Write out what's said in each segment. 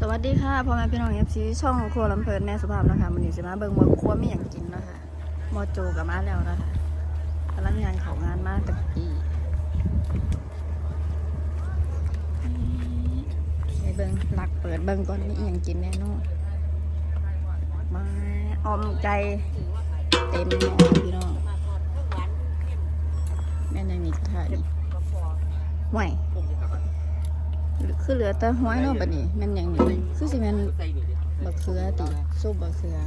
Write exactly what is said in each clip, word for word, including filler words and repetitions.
สวัสดีค่ะพ่อแม่พี่น้องเอฟซีช่องครัวลำเพลินแน่สุภาพนะคะมันนี้จะมาเบิ่งว่าครัวมีอย่างกินนะคะมอโจกับมาแล้วนะคะกำลังงานเขางานมาตะกี้ไปเบิ่งหลักเปิดเบิ่งก่อนมีอย่างกินแน่นอนมาออมไก่เต็มหม้อพี่น้องแม่นยังมีกระทะอีกห่วยคือเหลือแต่ห้อยเนาะบัดนี้แม่นอย่างนี้คือสิแม่นบักเขือติซุปบักเขือ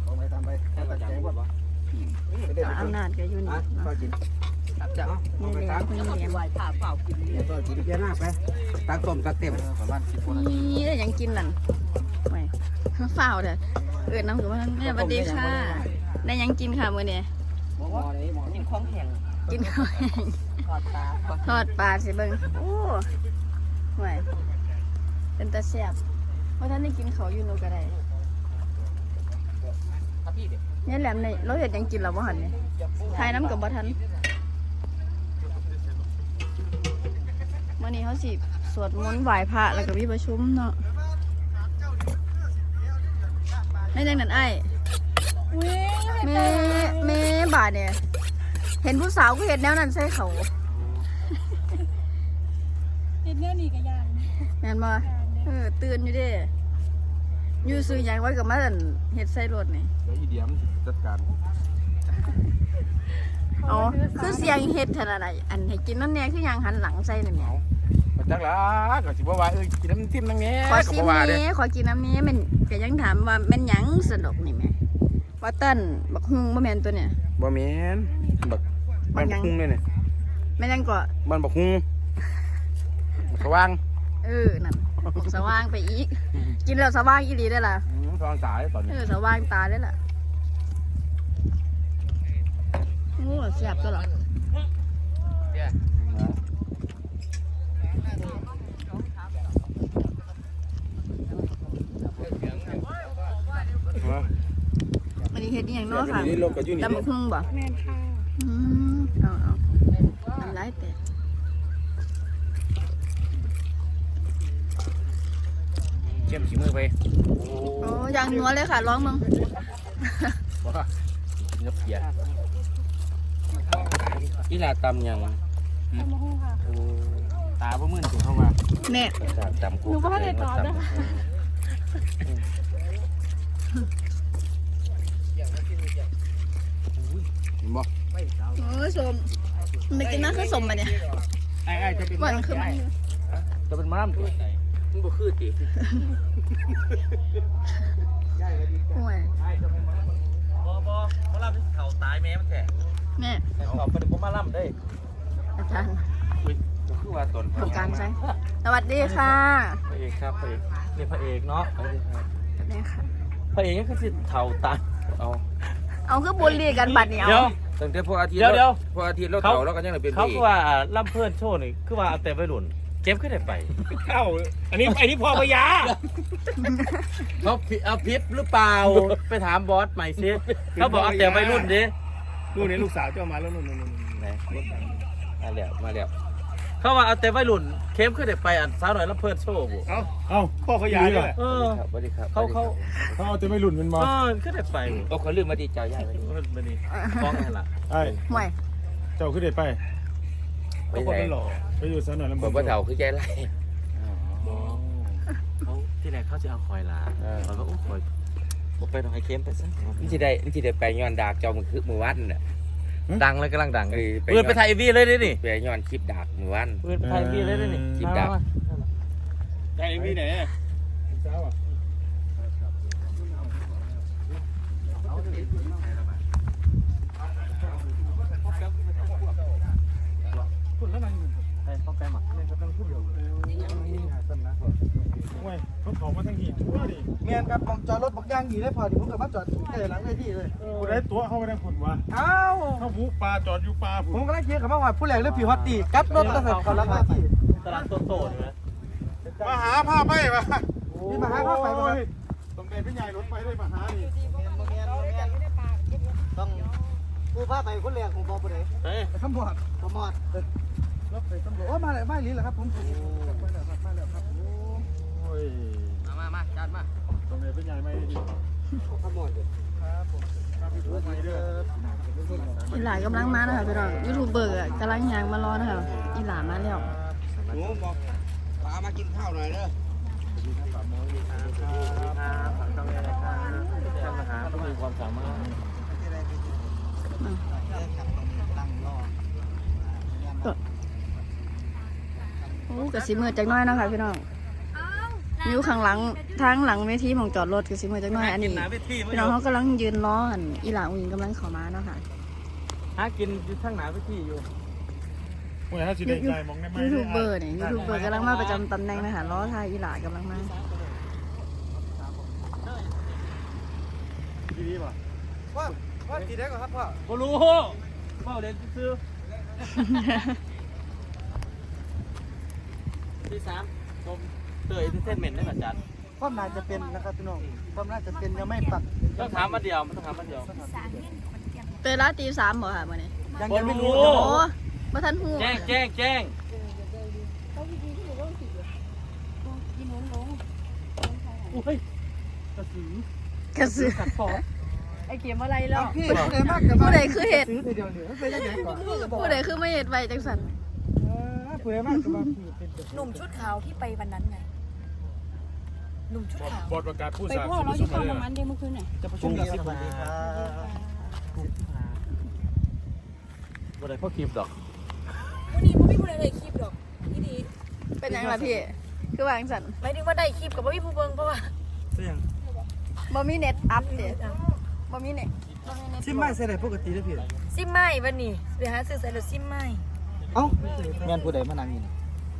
อำนาจก็อยู่นี่เนาะนี่เลี้ยงเพิ่นเลี้ยงก็กินเยอะมากไปตักต้มตักเต็มประมาณสิบคนนี่ได้หยังกินนั่นไม่ฝ้าวเด้อเอิ้นน้ำกับว่าแม่สวัสดีค่ะได้หยังกินค่ะมื้อนี้กินของแข็งกินข้าวแห้งทอดปลาทอดปลาสิเบิ่งโอ้ห่วยเป็นตาแซ่บเพราะท่านได้กินเขาวอยู่โนก็ได้ครับพี่เด็กเนี่ยแหลมในเราเห็ดหยังกินเราบ่หันเนี่ยทายน้ำกับบ่ทันวันนี้เขาสิสวดมนต์ไหว้พระแล้วก็มีประชุมเนาะไม่จังนั้นไอ้แม่แม่บาดเนี่ยเห็นผู้สาวก็เห็นแนวนั้นใส่เขาเห็นแน่นี่ก็ยานแม่นบ่เออตื่นอยู่เด้อยู่ซื้อหยังไว้กับมาอั่นเฮ็ดใส่รถนี่เดี๋ยวอีเดียมจัดการอ๋อคือเสียงเฮ็ดขนาดไหนอันให้กินนั่นแน่คือหยังหันหลังใส่นั่นแหละมาจักละก็สิบ่ว่าเอ้ยกินน้ำจิ้มนั่งแง่ขอก็ชิมบ่ว่าเด้นี้ขอกินน้ำนี้แมันก็ยังถามว่าแม่นหยังสนุกนี่แม่ว่าเต้นบักฮุงบ่แม่นตัวเนี่ยบ่แม่นบักบ้านบักฮุงเลยเนี่ยแม่นหยังก็บ้านบักฮุงสว่างเออนั่นบอกสว่างไปอีก กินแล้วสว่างอีหลีได้อล่ะอืมทองสายตอนเอนี้อสว่างตาได้อล่ะโอ้แซ่บตัวหรอวันนี้เฮ็ดอีหยังเนาะค่ะนี่รถก็อยู่นี่ตำบักฮุงบ่แม่นค่ะอืมเอาเอาน้ำลายแตกเชื่อมขี้มือไปโอ้ยางนัวเลยค่ะร้องมึงบ่กินกับเพียอีหลาตำยังตำมะฮุ่งค่ะโอ้ตาบ่มื่นสิเข้ามาเนี่ยตำกูหนูก็ไม่ได้ตอบนะคะเห็นบ่โอ้ยสมไม่กินน้ำคือสมมาเนี่ยไอ้ไอ้จะเป็นหวานคือมันจะเป็นม้ามตัวมันบ่คือติโอ้ยบ่บ่บ่ล่ำเฒ่าตายแม่มันแท้แม่เอาไปบ่มาล่ำเด้อาจารย์อุ้ยคือว่าตนทำการใช่สวัสดีค่ะพระเอกครับพระเอกนี่พระเอกเนาะนี่ค่ะพระเอกก็คือเฒ่าตายเอาเอาคือบุลลี่กันบัดเนี่ยเดี๋ยวตั้งแต่พออาทิตย์เดี๋ยวเดี๋ยวพออาทิตย์เราเฒ่าแล้วก็ยังได้เป็นพเขาระเอคืกอว่าล่ำเพื่อนโชว์นี่คือว่าเอาแต่ไปหลุนเก็บขึ้นได้ไปเอ้าอันนี้อันนี้พอพยาเขาเอาพิษหรือเปล่า ไปถามบอสใหม่สิเขาบอกเอาแต่ไปรุ่นดิลูกนี้ลูกสาวเจ้ามาแล้วนู่นนู่นนู่นไหนมาแล้วมาแล้วเขาว่าเอาแต่ไปรุ่นเข้มขึ้นได้ไปอันสาวหน่อยล่ำเพื่อนโชว์บุเอ้าเอ้าพ่อเขาย้ายเลยเออสวัสดีครับเขาเขาเขาเอาจะไม่หลุนมันมาเออขึ้นได้ไปโอ้เขาลืมมาดีเจ้าย้ายไปมันนี่ฟ้องไงล่ะไอ้ห่วยเจ้าขึ้นได้ไปไปก็คนไหนมันหล่อไปอยู่ซะหน่อยลำบบาอกว่าเฒ่าคือใจไรเขาที่ไหนเขาจะเอาคอยลาเขาก็โอ้คอยบอกไปต้องให้เข้มไปซะนี่ที่ได้นี่ที่ได้ไปย้อนดากเจ้ามันคือมือวันน่ะดังเลยกำลังดังเออไปปืนไปถ่ายวีเลยดินี่ไปย้อนคลิปดากมือวันปืนไปถ่ายวีเลยดินี่คลิปดังได้พี่ไหนสาวอ่ะใช่ต้องแปลมาเนี่ยเขาต้องพูดเดียวโอ้ยเขาขอมาทั้งหีทั่วดิเมียนครับผมจอดรถบักย่างดีได้พอดีผมกับมาจอดใกล้หลังเวทีเลยกูได้ตัวเข้าไปทางขุนวะอ้าวเขาผูปลาจอดอยู่ปลาผุผมกำลังเคียร์กับมาหอดผู้แหลกเรื่องผีฮอตตีกัดรถตั้งแต่ก่อนหลังเวทีตลาดโตๆนี่ไหมมาหาผ้าไปปะนี่มาหาข้าวไฟมาต้องได้พี่ใหญ่รถไปได้มาหาดิต้องผู้พาไปคนแรกผมบอกผู้ใดเฮ้ยไปตำรวจตำรวจรถไปตำรวจโอ้มาเลยไม่ลิ้นเหรอครับผมมาแล้วครับมาแล้วครับโอ้ยมามามาใหญ่ไหมดิข้าวหมดเลยครับผมครับพี่ผู้ใหม่เด้ออีหลากำลังมานะคะพี่น้องยูทูบเบอร์อะกำลังยางมารอนะคะอีหลามาแล้วหนูบอกป้ามากินข้าวหน่อยเด้อครับฝากช่องนี้นะครับท่านมหาผู้มีความสามารถโอ้กระสีมือจักหน้อยเนาะคะพี่น้องอยู่ข้างหลังทางหลังเวทีของจอดรถกระสีมือจักหน้อยอันนี้พี่น้องเขากำลังยืนรออันอีหลาอุ้งกำลังเข้ามาเนาะค่ะหากินอยู่ข้างหน้าเวทีอยู่โอ้ยถ้าสิได้ใจมองได้ไหมยูทูบเบอร์เนี่ยยูทูบเบอร์กำลังมาประจำตำแหน่งนะคะล้อทายอีหลากำลังมาดีป่ะพ่อพ่อกินได้ก่อนครับพ่อบ่รู้เฝ้าเรียนซื้อที่สามชมเตยที่เส้นเหม็นได้อาจารย์ความน่าจะเป็นนะครับพี่น้องความน่าจะเป็นยังไม่ปักต้องถามมาเดียวมันต้องถามมาเดียวเตยละตีสามบ่ค่ะมื่อนี้ยังบ่ยังไม่รู้รู้โอ้มาทันหูแจ้งแจ้งแจ้งอุ้ยกระสือกระสือขัดคอไอเขียมอะไรแล้วพี่ผู้ใดมากกับผู้ใดคือเห็ดซื้อทีเดียวเนี่ยเป็นยังไงก่อนผู้ใดคือไม่เห็ดไว้จังสันผู้ใดมากกับว่าพี่เป็นหนุ่มชุดขาวที่ไปวันนั้นไง หนุ่มชุดขาวบอดประกาศผู้ไปสาพ่อเราอยู่ปั๊มน้ำมันเดเมื่อคืนเนี่ยจะประชุมกันสิบวันบ่ได้พ่อคลิปดอกวันนี้พ่อพี่พูดอะไรคลิปหรอกพี่ดีเป็นยังไงล่ะพี่คือวาจังสันหมายถึงว่าได้คลิปกับพ่อพี่ผู้เบิงเพราะว่าเสียงบ่มีเน็ตอัพเด้บ่มีเน็ตซิมไม่ใส่ได้ปกติได้พี่ซิมไม่วันนี้เดี๋ยวหาซื้อใส่รถซิมไม่เอ้าแม่นผู้ใดมานั่งอยู่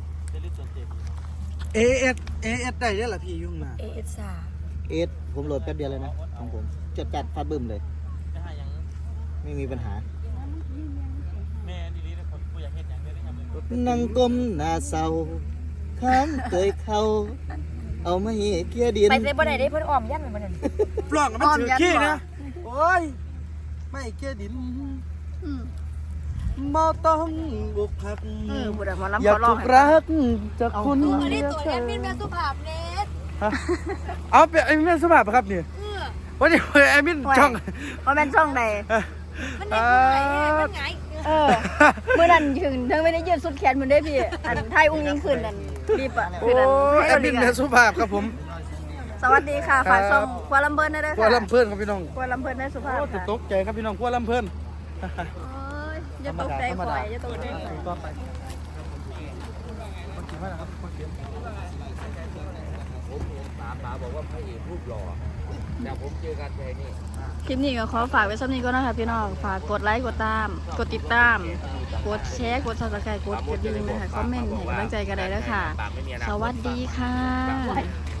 เอเอสเอเอสได้ยังล่ะพี่ยุ่งมาเอเอสาเอสผมโหลดแป๊บเดียวเลยนะของผมจดจัดฟาดบึ้มเลยจะหาหยังไม่มีปัญหาแม่ดีๆนะครับกูอยากเฮ็ดหยังได้เลยครับนั่งก้มหน้าเศร้าข้างเกยเขาเอามาให้เกียร์ดินไปใส่บ่ได้ได้เพิ่นอ้อมยันเหมือนกันปล่องมันถือขี้นะโอ้ยไม่เกียดินอืมบ่ต้องบุกพักเออผู้ใดหมาล้ำอยาขกอร้อถูงกให้รักจากคุณอันนี้ตัวแอดมินแม่สุภาพเน็ตเอาเป็นไอ้แม่สมัครครับเนี่ยวันนี้ไอ้มินช่องว่าแม่นช่องใดมันเนี่ยมันไงมันไงเออเมื่อนั้นถึงเธอไม่ได้ยืดสุดแขนมันได้พี่ อันไทยอุ้งยิงขึ้นนั่นรีบอ่ะโอ้คืนนั้นยให้แอเราดมิดีนกัแม่นสุภาพครับผมสวัสดีค่ะฝากครับช่องครัวลำเพิ่นได้ด้วยกัวค่ะลำเพื่อนครับพี่น้องครัวลำเพิ่นได้สุภาพโอ้ติดค่ะตกใจครับพี่น้องกัวลำเพื่อนโอ้ยอย่าตกใจข่อยอย่าตกใจข่อยก็ไปผมเห็นป๋าป๋าบอกว่าพระเอกรูปหล่อแต่ผมเจอกันแค่นี้คลิปนี้ก็ขอฝากไว้สักนี้ก็นะคะพี่น้องฝากกดไลค์กดตาม กดติดตาม กดแชร์กดซับสไครต์กดกระดิ่งนะคะคอมเมนต์ให้กำลังใจกันได้แล้วค่ะปากไม่มีอนาคตสวัสดีค่ะ